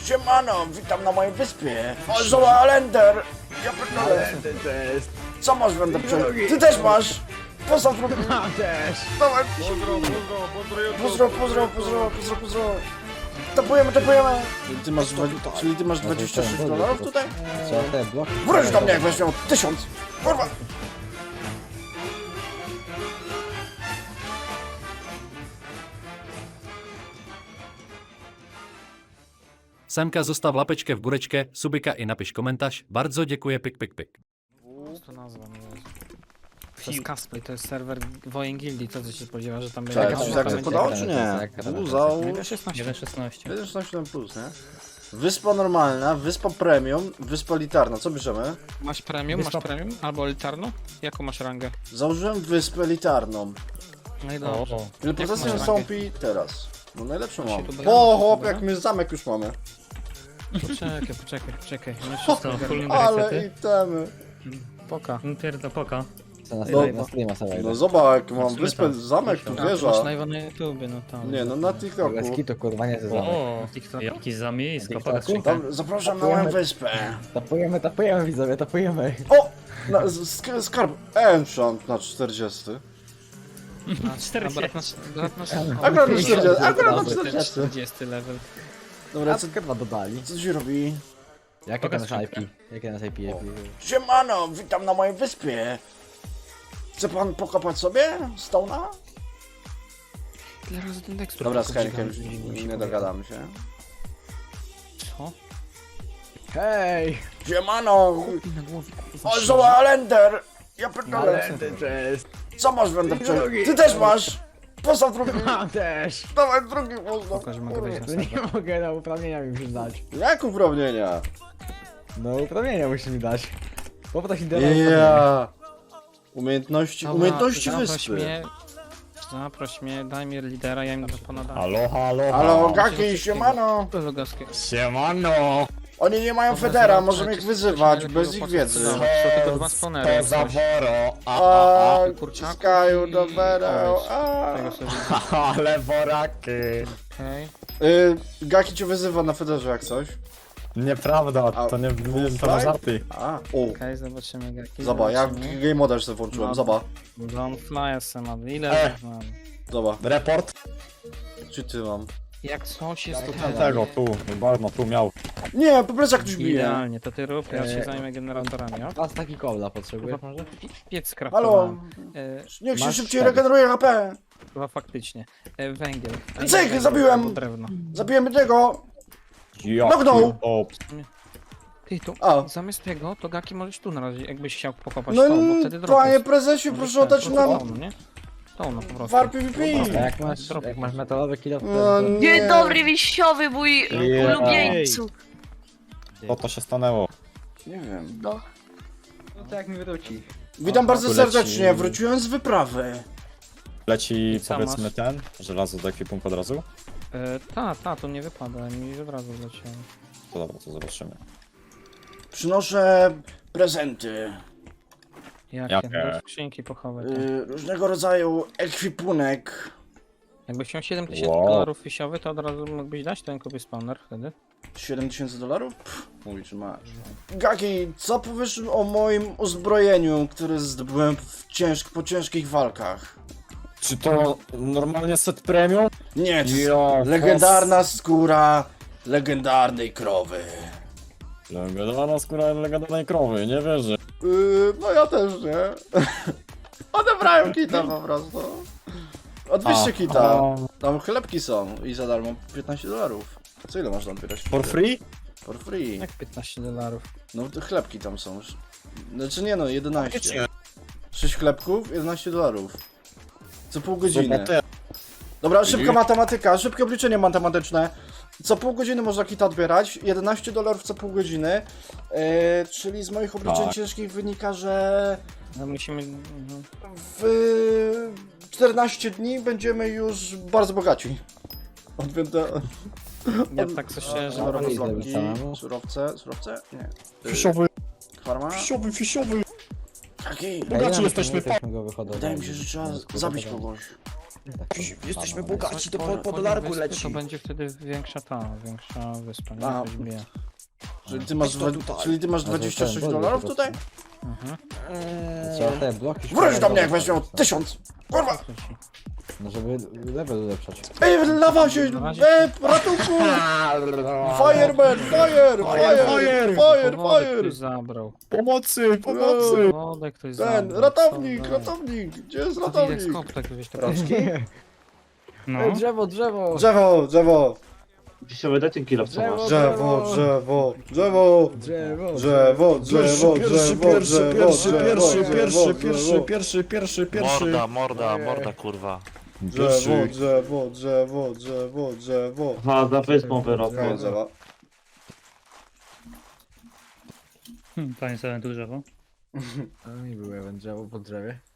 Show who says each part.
Speaker 1: Siemano, witam na mojej wyspie. O, Zoa Alender! Ja pierdolę. Co masz, będę Ty też masz! Pozdrow drugi.
Speaker 2: Mam też!
Speaker 1: Dawaj. Pozdro. Tapujemy. Czyli ty masz 26 dolarów tutaj?
Speaker 2: Co te bloki?
Speaker 1: Wróć do mnie, jak weźmią 1000. Kurwa.
Speaker 3: Semka zostaw lapečkę w góreczkę, subika i napisz komentarz. Bardzo dziękuję, pik.
Speaker 4: To nazwa, nie wiem. To jest Cosplay, to jest serwer Wojen Gildii, co ty się spodziewasz, że tam
Speaker 1: Czekaj,
Speaker 4: będzie...
Speaker 1: coś tak podało, czy nie? Uzał.
Speaker 4: 16.
Speaker 1: 1.16 plus, nie? Wyspa normalna, wyspa premium, wyspa elitarna. Co bierzemy?
Speaker 4: Masz premium, albo elitarną? Jaką masz rangę?
Speaker 1: Założyłem wyspę elitarną.
Speaker 4: No i dobrze.
Speaker 1: Ile procesy
Speaker 4: masz
Speaker 1: nastąpi teraz? No najlepszą mam.
Speaker 4: tu bramy,
Speaker 1: O,
Speaker 4: to
Speaker 1: chłop,
Speaker 4: dobra?
Speaker 1: jak my zamek już mamy.
Speaker 4: Poczekaj. My wszystko ogarniemy.
Speaker 1: Ale itemy.
Speaker 4: Poka.
Speaker 5: Poka.
Speaker 2: Co na
Speaker 1: Dobra.
Speaker 2: streama sobie.
Speaker 1: No zobacz, jak mam
Speaker 5: Zobaczymy
Speaker 1: wyspę,
Speaker 5: tam.
Speaker 1: zamek tu,
Speaker 4: A, ty
Speaker 1: wieża.
Speaker 4: masz live'a na YouTubie, no tam.
Speaker 1: Nie, no na TikToku.
Speaker 2: Leski to kurwa nie ze zamek.
Speaker 5: O,
Speaker 4: TikToku?
Speaker 5: jaki zamiejsko,
Speaker 2: TikToku?
Speaker 5: pokaż skrzynkę.
Speaker 1: Dobra, zapraszam na moją wyspę.
Speaker 2: Tapujemy widzowie, tapujemy.
Speaker 1: O! Skarb Enchant na 40.
Speaker 4: A brat nasz...
Speaker 1: Akurat na 40, akurat na
Speaker 2: Dobra,
Speaker 1: 40.
Speaker 4: 40 level.
Speaker 1: Dobra,
Speaker 2: A co kurwa dodali?
Speaker 1: co ci robi?
Speaker 2: Jakie
Speaker 5: Pokaż
Speaker 2: ten IP? Jakie nas IP?
Speaker 1: Siemano, witam na mojej wyspie. Chce pan pokapać sobie Stone'a?
Speaker 4: Ile razy ten tekstur?
Speaker 1: Dobra, z
Speaker 4: tylko
Speaker 1: Henrykiem
Speaker 4: wziąłem, że
Speaker 1: nie dogadamy się.
Speaker 4: Co?
Speaker 2: Hej!
Speaker 1: Siemano!
Speaker 4: I na głowie, kurwa.
Speaker 1: O, Zoa Alender! Ja pierdolę.
Speaker 2: cześć!
Speaker 1: Co masz, będę Ty też masz! Postaw drugi.
Speaker 2: Mam też!
Speaker 1: Dawaj drugi postaw.
Speaker 4: Pokaż, że mogę wejść na
Speaker 2: Nie
Speaker 4: serwer.
Speaker 2: mogę, na uprawnienia mi musisz dać.
Speaker 1: Jak uprawnienia?
Speaker 2: No uprawnienia musisz mi dać. Poproś internet.
Speaker 1: Ja. Umiejętności
Speaker 4: Zaproś
Speaker 1: wyspy.
Speaker 4: mnie, zaproś mnie, daj mi lidera, ja im to ponadam.
Speaker 5: Halo.
Speaker 1: Halo, Gaki, siemano!
Speaker 4: To Lugaskie.
Speaker 5: Siemano.
Speaker 1: Oni nie mają federa, możemy ich wyzywać bez ich wiedzy.
Speaker 4: Są tylko dwa spawnery. jak coś.
Speaker 5: woro.
Speaker 1: A,
Speaker 4: kurczaków
Speaker 1: Skaju,
Speaker 4: i-
Speaker 1: dobra.
Speaker 4: Tego sobie
Speaker 5: Ale woraki.
Speaker 4: okej.
Speaker 1: Gaki cię wyzywa na federze jak coś.
Speaker 5: Nieprawda,
Speaker 1: A,
Speaker 5: to nie
Speaker 1: Wolfgang?
Speaker 5: to na żarty.
Speaker 1: A,
Speaker 4: Okej, zobaczymy jaki.
Speaker 1: Zobacz, ja
Speaker 4: zobaczymy.
Speaker 1: game moda sobie włączyłem,
Speaker 4: No.
Speaker 1: zobacz.
Speaker 4: Don't fly SM, ile mam?
Speaker 1: Zobacz,
Speaker 5: Report
Speaker 1: czy ty mam?
Speaker 4: Jak coś jest
Speaker 5: tego, tu, bardzo tu miał.
Speaker 1: Nie, po prostu jak ktoś bije.
Speaker 4: idealnie, to ty rób, ja się zajmę generatorami, ok?
Speaker 2: Was taki kobla potrzebujesz może?
Speaker 4: Piec
Speaker 1: Halo,
Speaker 4: skraftowałem.
Speaker 1: niech się
Speaker 2: Masz
Speaker 1: szybciej
Speaker 2: tak.
Speaker 1: regeneruje HP.
Speaker 4: Chyba faktycznie. Węgiel.
Speaker 1: Cyk, zabiłem!
Speaker 4: Albo drewno.
Speaker 1: Zabijemy tego.
Speaker 5: Ja
Speaker 1: Nognął.
Speaker 4: Ty, to
Speaker 1: A.
Speaker 4: zamiast tego, to Gaki możesz tu na razie, jakbyś chciał pokopać
Speaker 1: No
Speaker 4: to, bo wtedy
Speaker 1: panie
Speaker 4: drop
Speaker 1: prezesie,
Speaker 4: jest.
Speaker 1: proszę oddać nam
Speaker 4: To, nie? To no po prostu.
Speaker 1: war PvP.
Speaker 2: A jak masz metalowy kilo,
Speaker 1: No
Speaker 2: to...
Speaker 1: nie.
Speaker 6: Dzień dobry, wiśniowy, mój ulubieńcu.
Speaker 5: Co to się stanęło?
Speaker 1: Nie wiem.
Speaker 6: No.
Speaker 2: No to jak mi wróci.
Speaker 1: Witam bardzo
Speaker 5: tu leci-
Speaker 1: serdecznie, wróciłem z wyprawy.
Speaker 5: Leci
Speaker 4: I co
Speaker 5: powiedzmy
Speaker 4: masz?
Speaker 5: ten, żelazo do ekwipunku od razu?
Speaker 4: To nie wypada, mi od razu wleciało.
Speaker 5: To dobra, to zobaczymy.
Speaker 1: Przynoszę prezenty.
Speaker 4: Jakie?
Speaker 5: Jakie?
Speaker 4: Do skrzynki pochowaj. to.
Speaker 1: Różnego rodzaju ekwipunek.
Speaker 4: Jakbyś chciał 7000
Speaker 5: Wow.
Speaker 4: dolarów fisiowy, to od razu mógłbyś dać ten kupię spawner wtedy.
Speaker 1: 7000 dolarów? Mówi, czy masz. Gaki, co powiesz o moim uzbrojeniu, które zdobyłem po ciężkich walkach?
Speaker 5: Czy to normalnie set premium?
Speaker 1: Nie, to jest
Speaker 5: Ja,
Speaker 1: legendarna skóra legendarnej krowy.
Speaker 5: Legendarna skóra legendarnej krowy, nie wierzę.
Speaker 1: No ja też nie. Odebrałem kita po prostu. Odbierzcie kita. Tam chlebki są i za darmo 15 dolarów. Co ile można odbierać?
Speaker 5: For free?
Speaker 1: For free.
Speaker 4: Jak 15 dolarów?
Speaker 1: No te chlebki tam są. Znaczy nie no, 11. 6 chlebków, 11 dolarów. Co pół godziny. Dobra, szybka matematyka, szybkie obliczenie matematyczne. Co pół godziny można kita odbierać, 11 dolarów co pół godziny. Czyli z moich obliczeń
Speaker 5: Tak.
Speaker 1: ciężkich wynika, że
Speaker 4: No musimy...
Speaker 1: w 14 dni będziemy już bardzo bogaci. Odwięte.
Speaker 4: Ja tak coś szczerze, że
Speaker 2: dobra,
Speaker 4: pan
Speaker 2: idę.
Speaker 1: Surowki,
Speaker 2: samemu.
Speaker 1: surowce? Nie.
Speaker 5: Fisiowy,
Speaker 1: Farma?
Speaker 5: fisiowy.
Speaker 1: Taki.
Speaker 5: Bogaci jesteśmy,
Speaker 2: go wychodzą.
Speaker 1: Wydaje mi się, że trzeba zabić kogoś.
Speaker 2: Jesteśmy
Speaker 4: Chodź po dolarku leci. To będzie wtedy większa wyspa, nie?
Speaker 1: A.
Speaker 4: Ktoś bije.
Speaker 1: Czyli ty masz 26
Speaker 2: ten,
Speaker 1: dolarów
Speaker 2: bo-
Speaker 1: tutaj?
Speaker 4: Mhm.
Speaker 2: Trzeba te bloki...
Speaker 1: Wróć do mnie jak weźmią 1000! Kurwa!
Speaker 2: No żeby level ulepszać.
Speaker 1: Ej, lawa się! Ratunku! Fireman! Fire! Fire!
Speaker 4: Ktoś zabrał.
Speaker 5: Pomocy!
Speaker 4: Wodę ktoś zabrał.
Speaker 1: Ten, ratownik! Gdzie jest
Speaker 4: To idę
Speaker 1: ratownik?
Speaker 4: skop tak wieś to
Speaker 1: Rączki?
Speaker 4: No.
Speaker 2: Ej, drzewo!
Speaker 1: Drzewo!
Speaker 7: Wisiowy, daj ten kilof, co masz.
Speaker 1: Drzewo!
Speaker 8: Morda, kurwa.
Speaker 1: Drzewo!
Speaker 7: Aha, za wyspą wyrosło.
Speaker 1: Drzewo.
Speaker 9: Panie sobie tu drzewo.
Speaker 2: No i było drzewo po drzewie.